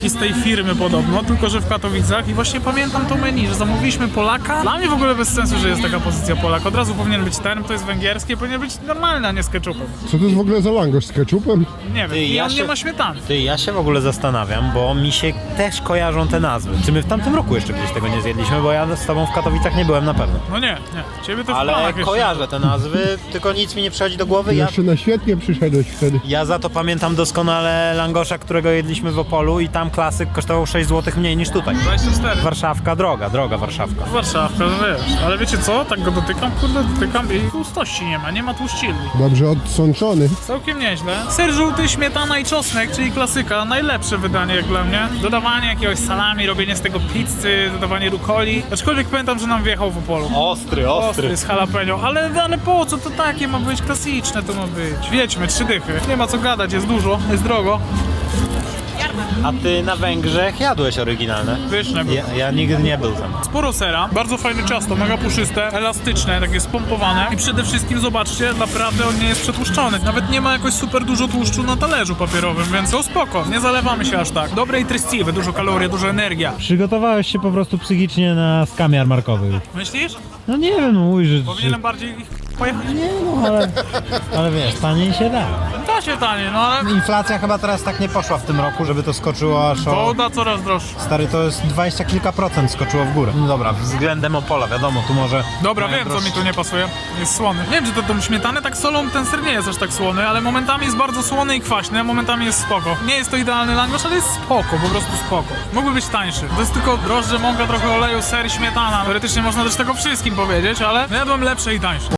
z tej firmy podobno, tylko że w Katowicach i właśnie pamiętam to menu, że zamówiliśmy Polaka. Dla mnie w ogóle bez sensu, że jest taka pozycja Polak. Od razu powinien być ten, to jest węgierskie, powinien być normalny, a nie z ketchupem. Co to jest w ogóle za langosz z ketchupem? Nie wiem, i on nie ma śmietany. Ja się w ogóle zastanawiam, bo mi się też kojarzą te nazwy. Czy my w tamtym roku jeszcze gdzieś tego nie zjedliśmy, bo ja z tobą w Katowicach nie byłem na pewno. No nie, ciebie to w Ale planach jeszcze. kojarzę te nazwy, tylko nic mi nie przychodzi do głowy. Jeszcze na świetnie przyszedłeś wtedy. Ja za to pamiętam doskonale langosza, którego jedliśmy w Opolu i tam klasyk kosztował 6 zł mniej niż tutaj. 24. Warszawka, droga Warszawka. Warszawka, no wiesz. Ale wiecie co? Tak go dotykam, kurde, dotykam i tłustości nie ma tłuszcilni. Dobrze odsączony. Całkiem nieźle. Ser żółty, śmietana i czosnek, czyli klasyka. Najlepsze wydanie jak dla mnie. Dodawanie jakiegoś salami, robienie z tego pizzy, dodawanie rukoli. Aczkolwiek pamiętam, że nam wjechał w Opolu. Ostry. Z jalapeno. Ale po co to takie ma być? Klasyczne to ma być. Wiedźmy, 3 dychy. Nie ma co gadać, jest dużo, jest drogo. A ty na Węgrzech jadłeś oryginalne? Pyszne było. Ja nigdy nie był tam. Sporo sera, bardzo fajne ciasto, mega puszyste, elastyczne, takie spompowane i przede wszystkim zobaczcie, naprawdę on nie jest przetłuszczony. Nawet nie ma jakoś super dużo tłuszczu na talerzu papierowym, więc to spoko, nie zalewamy się aż tak. Dobre i treściwe, dużo kalorii, dużo energia. Przygotowałeś się po prostu psychicznie na skam jarmarkowy. Myślisz? No nie wiem, no mówisz, że... Powinienem bardziej ich pojechać? Nie no, ale wiesz, taniej się da. Da się tanie, no ale Inflacja chyba teraz tak nie poszła w tym roku, żeby to skoczyło aż o... woda coraz droższa. Stary, to jest 20 kilka procent skoczyło w górę. No dobra, względem Opola, wiadomo, tu może... Dobra, mają wiem co mi droższe. tu nie pasuje. Jest słony. Nie wiem, czy to tą śmietanę tak solą ten ser nie jest aż tak słony, ale momentami jest bardzo słony i kwaśny, a momentami jest spoko. Nie jest to idealny langosz, ale jest spoko, po prostu spoko. Mógłby być tańszy. To jest tylko drożdże, mąka, trochę oleju, ser i śmietana. Teoretycznie można też tego wszystkim powiedzieć, ale jadłem lepsze i tańsze.